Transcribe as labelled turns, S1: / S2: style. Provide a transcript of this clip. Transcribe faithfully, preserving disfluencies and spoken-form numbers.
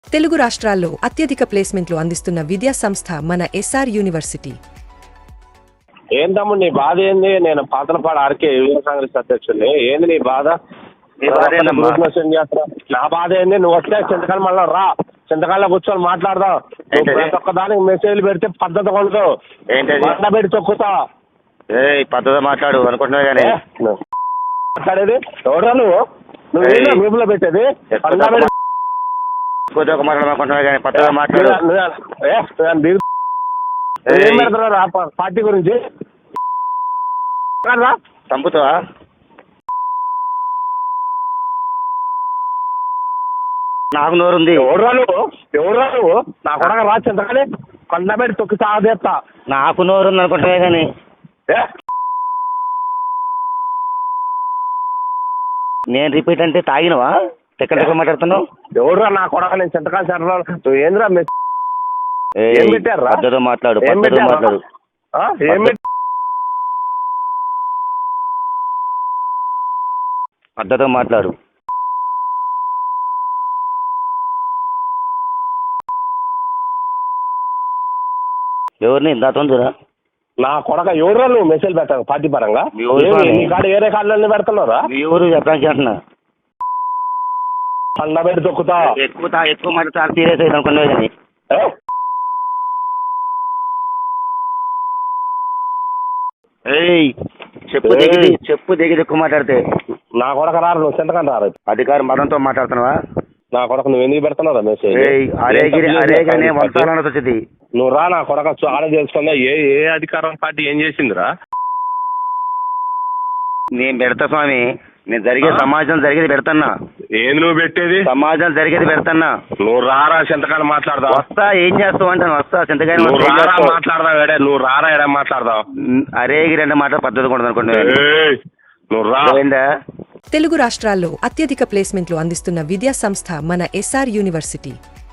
S1: తెలుగు రాష్ట్రాల్లో అత్యధిక ప్లేస్మెంట్లు అందిస్తున్న విద్యా సంస్థ మన ఎస్ఆర్ యూనివర్సిటీ.
S2: ఏం తమ్ముడు నీ బాధ ఏంది? నేను పాతలపాడు ఆర్కే యువ కాంగ్రెస్ అధ్యక్షుడిని. ఏంది నీ బాధ? నా బాధ ఏంది? నువ్వు వస్తే చింతకాలం మళ్ళీ రా, చింతకాలంలో కూర్చొని మాట్లాడదాం. ప్రతి ఒక్క దానికి మెసేజ్లు పెడితే పద్ధతి కొడుతూ బండ పెట్టి తొక్కుతా.
S3: పద్ధతి మాట్లాడు అనుకుంటున్నా కానీ
S2: మాట్లాడేది ఎవరా నువ్వు? నువ్వు మీపులో పెట్టేది
S3: మాట్లాడుకుంటున్నా కానీ పద్ధతి మాట్లాడు.
S2: ఏం పెడతారా పార్టీ గురించి?
S3: చంపుతావా? నాకు నోరుంది.
S2: ఎవడురా నువ్వు? ఎవడురా నువ్వు? నా కొడక రా చింతకాని కొండ పెట్టి తొక్కి సాగదేస్తా.
S3: నాకు నోరుంది అనుకుంటున్నా కానీ నేను రిపీట్ అంటే తాగినవా? ఎక్కడ దగ్గర మాట్లాడుతున్నావు?
S2: ఎవడురా నా కొడక? నేను చింతకాని సెంటర్ నువ్వు ఏంద్రా ఏం పెట్టారా?
S3: పద్ధతితో మాట్లాడు, పద్ధతితో మాట్లాడు.
S2: ఏం
S3: పద్ధతితో మాట్లాడు. ఎవరిని దాతుందిరా?
S2: నా కొడక ఎవరురా నువ్వు? మెసేజ్ పెట్టాను పార్టీ పరంగా. నీ కాడ ఏ రేఖాలన్నీ పెడుతున్నారా?
S3: ఎవరు చెప్పడానికి అంటున్నా?
S2: పండ పెట్టి తొక్కుతా.
S3: ఎక్కువ ఎక్కువ మాట చాలా సీరియస్ అయింది అనుకున్నా కానీ చెప్పు దిగి చెప్పు దిగి ఎక్కువ మాట్లాడితే
S2: నా కొడక రారు. నువ్వు చింతకాని రారు.
S3: అధికార మతంతో మాట్లాడుతున్నావా?
S2: నా కొడక నువ్వు ఎందుకు పెడుతున్నారా మెసేజ్?
S3: వచ్చింది
S2: నువ్వు రా. నా కొడక ఆడ తెలుసుకుందా ఏ ఏ అధికారం పార్టీ ఏం చేసిందిరా?
S3: నేను పెడతా స్వామి. నేను జరిగే సమాజం జరిగేది పెడతాన్నా.
S2: ఏంది నువ్వు పెట్టేది?
S3: సమాజం జరిగేది పెడతాన్నా.
S2: నువ్వు రారా చింతకాని మాట్లాడదాం.
S3: వస్తా. ఏం చేస్తావు అంటాను. వస్తా చింతకాని
S2: మాట్లాడదాం. ఏడే నువ్వు రారా ఎడా మాట్లాడదాం.
S3: అరే రెండు మాట పద్ధతి కూడా అనుకుంటా.
S2: నువ్వు రా.
S1: తెలుగు రాష్ట్రాల్లో అత్యధిక ప్లేస్మెంట్లు అందిస్తున్న విద్యా సంస్థ మన ఎస్ఆర్ యూనివర్సిటీ.